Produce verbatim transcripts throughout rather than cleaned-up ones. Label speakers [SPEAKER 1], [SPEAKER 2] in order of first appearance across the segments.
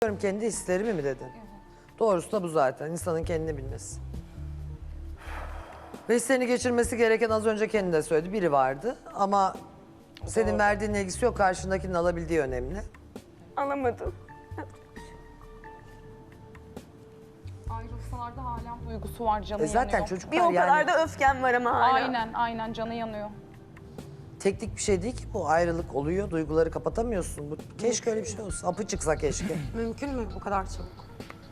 [SPEAKER 1] Kendi hislerimi mi dedin? Doğrusu da bu zaten. İnsanın kendini bilmesi. Ve hislerini geçirmesi gereken az önce kendi de söyledi. Biri vardı ama senin verdiğin ilgisi yok. Karşındakinin alabildiği önemli.
[SPEAKER 2] Alamadım.
[SPEAKER 3] Ayrılsalar da halen duygusu var, canı
[SPEAKER 1] E zaten
[SPEAKER 3] yanıyor.
[SPEAKER 1] çocuklar
[SPEAKER 2] Bir o kadar
[SPEAKER 1] yani
[SPEAKER 2] da öfkem var ama hala.
[SPEAKER 3] Aynen, aynen canı yanıyor.
[SPEAKER 1] teknik bir şey değil ki bu. Ayrılık oluyor. Duyguları kapatamıyorsun. Bu, keşke öyle bir şey olsa. Apı çıksa keşke.
[SPEAKER 4] Mümkün mü bu kadar çabuk?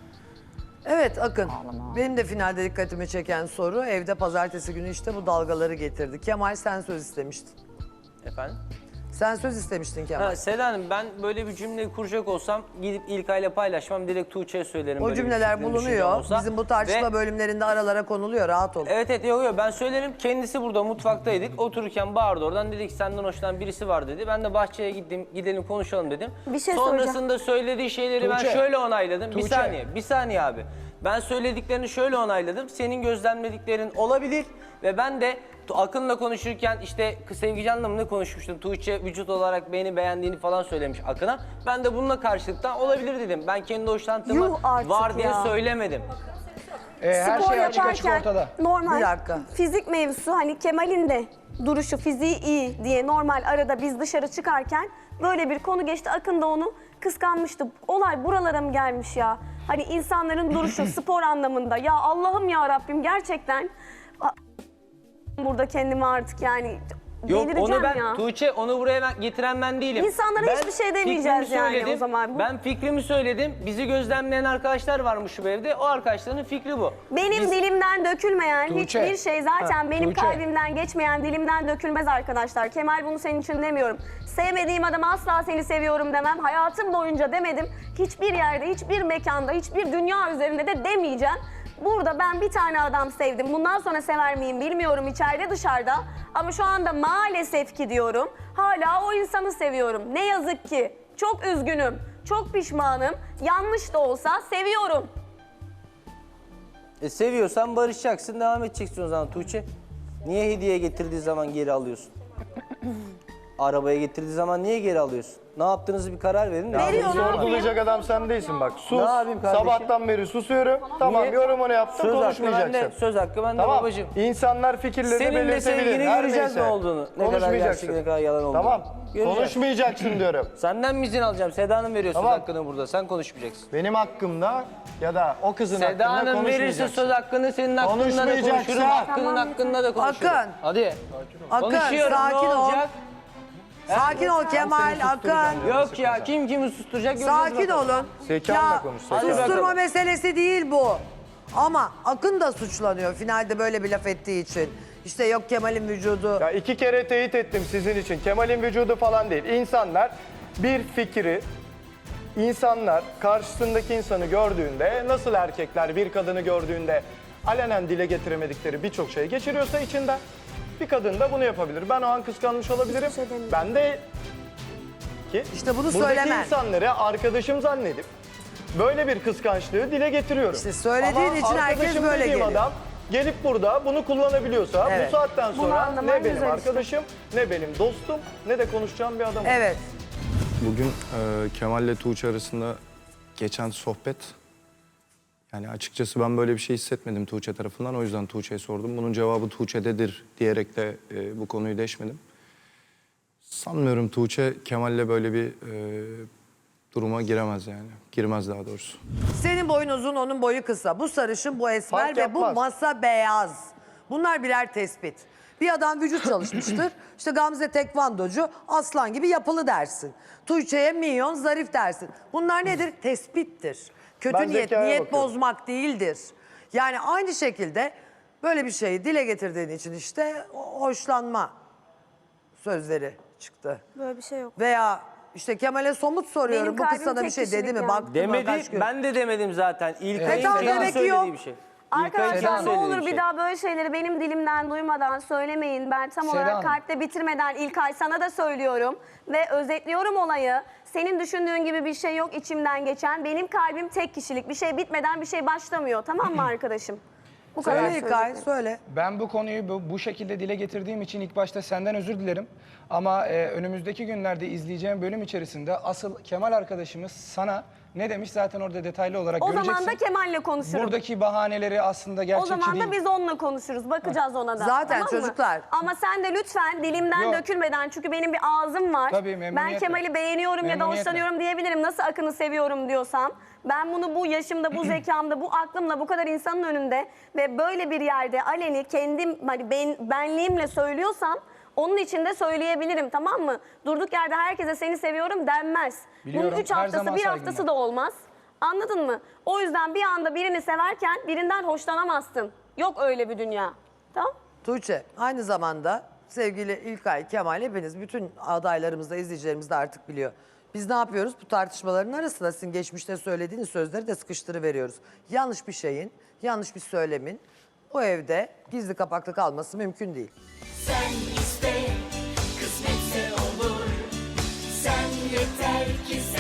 [SPEAKER 1] Evet Akın. Benim de finalde dikkatimi çeken soru. Evde pazartesi günü işte bu dalgaları getirdi. Kemal sen söz istemiştin.
[SPEAKER 5] Efendim?
[SPEAKER 1] Sen söz istemiştin Kemal.
[SPEAKER 5] Ha, Seda Hanım, ben böyle bir cümle kuracak olsam gidip İlkay'la paylaşmam, direkt Tuğçe'ye söylerim.
[SPEAKER 1] O
[SPEAKER 5] böyle bir
[SPEAKER 1] cümleler
[SPEAKER 5] fikrim, düşüncem
[SPEAKER 1] bulunuyor.
[SPEAKER 5] olsa.
[SPEAKER 1] Bizim bu tartışma
[SPEAKER 5] Ve-
[SPEAKER 1] bölümlerinde aralara konuluyor. Rahat ol.
[SPEAKER 5] Evet evet yok yok ben söylerim. Kendisi burada mutfaktaydık. Otururken bağırdı oradan, dedi ki senden hoşlanan birisi var dedi. Ben de bahçeye gittim, gidelim konuşalım dedim.
[SPEAKER 2] Bir şey
[SPEAKER 5] Sonrasında söylediği şeyleri ben
[SPEAKER 6] Tuğçe.
[SPEAKER 5] şöyle onayladım. Bir
[SPEAKER 6] Tuğçe.
[SPEAKER 5] saniye, bir saniye abi. Ben söylediklerini şöyle onayladım. Senin gözlemlediklerin olabilir ve ben de Akın'la konuşurken işte Sevgican'la mı ne konuşmuştum? Tuğçe vücut olarak beni beğendiğini falan söylemiş Akın'a. Ben de bununla karşılıktan olabilir dedim. Ben kendi hoşlantımı
[SPEAKER 2] Yuh artık
[SPEAKER 5] var diye
[SPEAKER 2] ya.
[SPEAKER 5] söylemedim.
[SPEAKER 6] Ee, her
[SPEAKER 2] Spor
[SPEAKER 6] şey açık açık
[SPEAKER 2] yaparken
[SPEAKER 6] ortada.
[SPEAKER 2] normal
[SPEAKER 1] Bir dakika.
[SPEAKER 2] fizik mevzusu, hani Kemal'in de duruşu, fiziği iyi diye normal arada biz dışarı çıkarken böyle bir konu geçti. Akın da onu kıskanmıştı. Olay buralara mı gelmiş ya? Hani insanların duruşu spor anlamında. Ya Allah'ım ya Rabbim, gerçekten a- burada kendimi artık yani
[SPEAKER 5] Yok
[SPEAKER 2] delireceğim
[SPEAKER 5] onu ben
[SPEAKER 2] ya.
[SPEAKER 5] Tuğçe onu buraya ben, getiren ben değilim.
[SPEAKER 2] İnsanlara
[SPEAKER 5] Ben
[SPEAKER 2] hiçbir şey
[SPEAKER 5] fikrimi
[SPEAKER 2] demeyeceğiz yani
[SPEAKER 5] söyledim.
[SPEAKER 2] o zaman. Bu-
[SPEAKER 5] Ben fikrimi söyledim. Bizi gözlemleyen arkadaşlar varmış bu evde. O arkadaşların fikri bu.
[SPEAKER 2] Benim
[SPEAKER 5] Biz-
[SPEAKER 2] dilimden dökülmeyen
[SPEAKER 6] Tuğçe.
[SPEAKER 2] hiçbir şey zaten benim
[SPEAKER 6] Tuğçe.
[SPEAKER 2] kalbimden geçmeyen dilimden dökülmez arkadaşlar. Kemal, bunu senin için demiyorum. Sevmediğim adama asla seni seviyorum demem. Hayatım boyunca demedim. Hiçbir yerde, hiçbir mekanda, hiçbir dünya üzerinde de demeyeceğim. Burada ben bir tane adam sevdim. Bundan sonra sever miyim bilmiyorum, içeride dışarıda. Ama şu anda maalesef ki diyorum, hala o insanı seviyorum. Ne yazık ki. Çok üzgünüm, çok pişmanım. Yanlış da olsa seviyorum.
[SPEAKER 5] E, seviyorsan barışacaksın, devam edeceksin o zaman Tuğçe. Niye hediye getirdiği zaman geri alıyorsun? Arabaya getirdiği zaman niye geri alıyorsun? Ne yaptığınızı bir karar verin.
[SPEAKER 2] Veriyor, ne
[SPEAKER 6] Sorgulayacak adam sen değilsin bak. Sus.
[SPEAKER 5] Ne yapayım kardeşim?
[SPEAKER 6] Sabahtan beri susuyorum. Tamam,
[SPEAKER 5] Niye?
[SPEAKER 6] yorumunu yaptım,
[SPEAKER 5] Söz hakkı
[SPEAKER 6] konuşmayacaksın.
[SPEAKER 5] bende, söz hakkı bende
[SPEAKER 6] Tamam.
[SPEAKER 5] babacığım.
[SPEAKER 6] İnsanlar fikirlerini
[SPEAKER 5] Senin de
[SPEAKER 6] belirtebilir.
[SPEAKER 5] sevgini
[SPEAKER 6] Her
[SPEAKER 5] göreceğiz
[SPEAKER 6] neyse.
[SPEAKER 5] ne olduğunu. Ne kadar
[SPEAKER 6] Konuşmayacaksın.
[SPEAKER 5] gerçek, ne kadar yalan olduğunu.
[SPEAKER 6] Tamam.
[SPEAKER 5] Göreceğiz.
[SPEAKER 6] Konuşmayacaksın diyorum.
[SPEAKER 5] Senden mi izin alacağım? Seda Hanım veriyor
[SPEAKER 6] Tamam.
[SPEAKER 5] söz hakkını burada. Sen konuşmayacaksın.
[SPEAKER 6] Benim hakkımda ya da o kızın
[SPEAKER 5] Seda
[SPEAKER 6] hakkında
[SPEAKER 5] Hanım verirse
[SPEAKER 6] konuşmayacaksın.
[SPEAKER 5] söz hakkını senin hakkında da
[SPEAKER 6] Konuşmayacaksın.
[SPEAKER 5] konuşurum. Hakkının hakkında da konuşurum.
[SPEAKER 1] Akın.
[SPEAKER 5] Hadi.
[SPEAKER 1] Akın
[SPEAKER 5] Konuşuyorum,
[SPEAKER 1] sakin
[SPEAKER 5] ne
[SPEAKER 1] ol.
[SPEAKER 5] olacak?
[SPEAKER 1] Sakin ol Kemal, Akın.
[SPEAKER 5] Yok ya, kim kimi susturacak göreceğiz
[SPEAKER 1] Sakin
[SPEAKER 5] bakalım.
[SPEAKER 1] olun.
[SPEAKER 6] Zekanla
[SPEAKER 1] Ya,
[SPEAKER 6] konuş, zekanla.
[SPEAKER 1] susturma
[SPEAKER 5] Hadi bakalım.
[SPEAKER 1] meselesi değil bu. Ama Akın da suçlanıyor finalde böyle bir laf ettiği için. İşte yok Kemal'in vücudu.
[SPEAKER 6] Ya iki kere teyit ettim sizin için. Kemal'in vücudu falan değil. İnsanlar bir fikri, insanlar karşısındaki insanı gördüğünde, nasıl erkekler bir kadını gördüğünde alenen dile getiremedikleri birçok şey geçiriyorsa içinden, bir kadın da bunu yapabilir. Ben o an kıskanmış olabilirim.
[SPEAKER 2] şey demiyorum.
[SPEAKER 6] Ben de ki
[SPEAKER 1] İşte bunu
[SPEAKER 6] buradaki
[SPEAKER 1] söylemen.
[SPEAKER 6] insanları arkadaşım zannedip böyle bir kıskançlığı dile getiriyorum.
[SPEAKER 1] İşte söylediğin
[SPEAKER 6] Ama
[SPEAKER 1] için herkes
[SPEAKER 6] arkadaşım
[SPEAKER 1] böyle
[SPEAKER 6] dediğim
[SPEAKER 1] geliyor.
[SPEAKER 6] adam gelip burada bunu kullanabiliyorsa
[SPEAKER 1] Evet.
[SPEAKER 6] bu saatten
[SPEAKER 2] Bunu
[SPEAKER 6] sonra
[SPEAKER 2] anlaman
[SPEAKER 6] ne benim
[SPEAKER 2] güzel işte.
[SPEAKER 6] arkadaşım, ne benim dostum, ne de konuşacağım bir adam.
[SPEAKER 1] Evet.
[SPEAKER 7] Bugün e, Kemal ile Tuğçe arasında geçen sohbet, yani açıkçası ben böyle bir şey hissetmedim Tuğçe tarafından. O yüzden Tuğçe'ye sordum. Bunun cevabı Tuğçe'dedir diyerek de e, bu konuyu deşmedim. Sanmıyorum Tuğçe Kemal'le böyle bir e, duruma giremez yani. Girmez daha doğrusu.
[SPEAKER 1] Senin boyun uzun, onun boyu kısa. Bu sarışın, bu esmer
[SPEAKER 6] Fark
[SPEAKER 1] ve bu
[SPEAKER 6] yapmaz.
[SPEAKER 1] masa beyaz. Bunlar birer tespit. Bir adam vücut çalışmıştır. İşte Gamze tekvandocu, aslan gibi yapılı dersin. Tuğçe'ye minyon, zarif dersin. Bunlar nedir? Tespittir. Kötü
[SPEAKER 6] Ben
[SPEAKER 1] niyet,
[SPEAKER 6] zekaya
[SPEAKER 1] niyet
[SPEAKER 6] bakıyorum.
[SPEAKER 1] bozmak değildir. Yani aynı şekilde böyle bir şeyi dile getirdiğin için işte o- hoşlanma sözleri çıktı.
[SPEAKER 2] Böyle bir şey yok.
[SPEAKER 1] Veya işte Kemal'e somut soruyorum.
[SPEAKER 2] Benim
[SPEAKER 1] Bu kız
[SPEAKER 2] kalbim
[SPEAKER 1] sana bir
[SPEAKER 2] tek
[SPEAKER 1] şey dedi
[SPEAKER 2] kişilik
[SPEAKER 1] mi?
[SPEAKER 2] yani.
[SPEAKER 1] Baktın mı?
[SPEAKER 5] Demedi,
[SPEAKER 1] Kaç gün?
[SPEAKER 5] ben de demedim zaten. İlkay'ın
[SPEAKER 1] E tamam,
[SPEAKER 5] kendi
[SPEAKER 1] demek ki
[SPEAKER 5] söylediği
[SPEAKER 1] yok.
[SPEAKER 5] bir şey. İlkay'ın
[SPEAKER 2] Arkadaşlar
[SPEAKER 5] kendi
[SPEAKER 2] ne
[SPEAKER 5] söylediği
[SPEAKER 2] olur
[SPEAKER 5] bir
[SPEAKER 2] bir
[SPEAKER 5] şey.
[SPEAKER 2] daha böyle şeyleri benim dilimden duymadan söylemeyin. Ben tam
[SPEAKER 6] Seda
[SPEAKER 2] olarak
[SPEAKER 6] Hanım.
[SPEAKER 2] kalpte bitirmeden İlkay sana da söylüyorum. Ve özetliyorum olayı. Senin düşündüğün gibi bir şey yok içimden geçen. Benim kalbim tek kişilik. Bir şey bitmeden bir şey başlamıyor. Tamam mı arkadaşım? Bu kadar
[SPEAKER 1] Söyle İlkay,
[SPEAKER 2] söyleyeceklerim.
[SPEAKER 1] söyle.
[SPEAKER 8] Ben bu konuyu bu, bu şekilde dile getirdiğim için ilk başta senden özür dilerim. Ama e, önümüzdeki günlerde izleyeceğim bölüm içerisinde asıl Kemal arkadaşımız sana Ne demiş zaten orada detaylı olarak
[SPEAKER 2] O
[SPEAKER 8] göreceksin.
[SPEAKER 2] zaman da Kemal'le konuşurum.
[SPEAKER 8] Buradaki bahaneleri aslında
[SPEAKER 2] O
[SPEAKER 8] gerçekçi
[SPEAKER 2] zaman
[SPEAKER 8] değil.
[SPEAKER 2] da biz onunla konuşuruz. Bakacağız ona da.
[SPEAKER 1] Zaten
[SPEAKER 2] tamam mı?
[SPEAKER 1] çocuklar-
[SPEAKER 2] Ama sen de lütfen dilimden
[SPEAKER 8] Yok.
[SPEAKER 2] dökülmeden, çünkü benim bir ağzım var.
[SPEAKER 8] Tabii,
[SPEAKER 2] ben
[SPEAKER 8] memnuniyetle.
[SPEAKER 2] Kemal'i beğeniyorum ya da
[SPEAKER 8] Memnuniyetle.
[SPEAKER 2] hoşlanıyorum diyebilirim. Nasıl Akın'ı seviyorum diyorsam. Ben bunu bu yaşımda, bu zekamda, bu aklımla, bu kadar insanın önünde ve böyle bir yerde aleni kendim hani ben, benliğimle söylüyorsam onun için de söyleyebilirim, tamam mı? Durduk yerde herkese seni seviyorum denmez.
[SPEAKER 8] Biliyorum,
[SPEAKER 2] Bunun üç
[SPEAKER 8] her
[SPEAKER 2] haftası,
[SPEAKER 8] zaman
[SPEAKER 2] bir
[SPEAKER 8] saygım
[SPEAKER 2] haftası
[SPEAKER 8] var.
[SPEAKER 2] da olmaz. Anladın mı? O yüzden bir anda birini severken birinden hoşlanamazsın. Yok öyle bir dünya. Tamam?
[SPEAKER 1] Tuğçe aynı zamanda sevgili İlkay, Kemal hepiniz bütün adaylarımız da izleyicilerimiz de artık biliyor. Biz ne yapıyoruz? Bu tartışmaların arasında sizin geçmişte söylediğiniz sözleri de sıkıştırıveriyoruz. Yanlış bir şeyin, yanlış bir söylemin bu evde gizli kapaklı kalması mümkün değil.
[SPEAKER 9] Sen iste, kısmetse olur. Sen yeter ki sen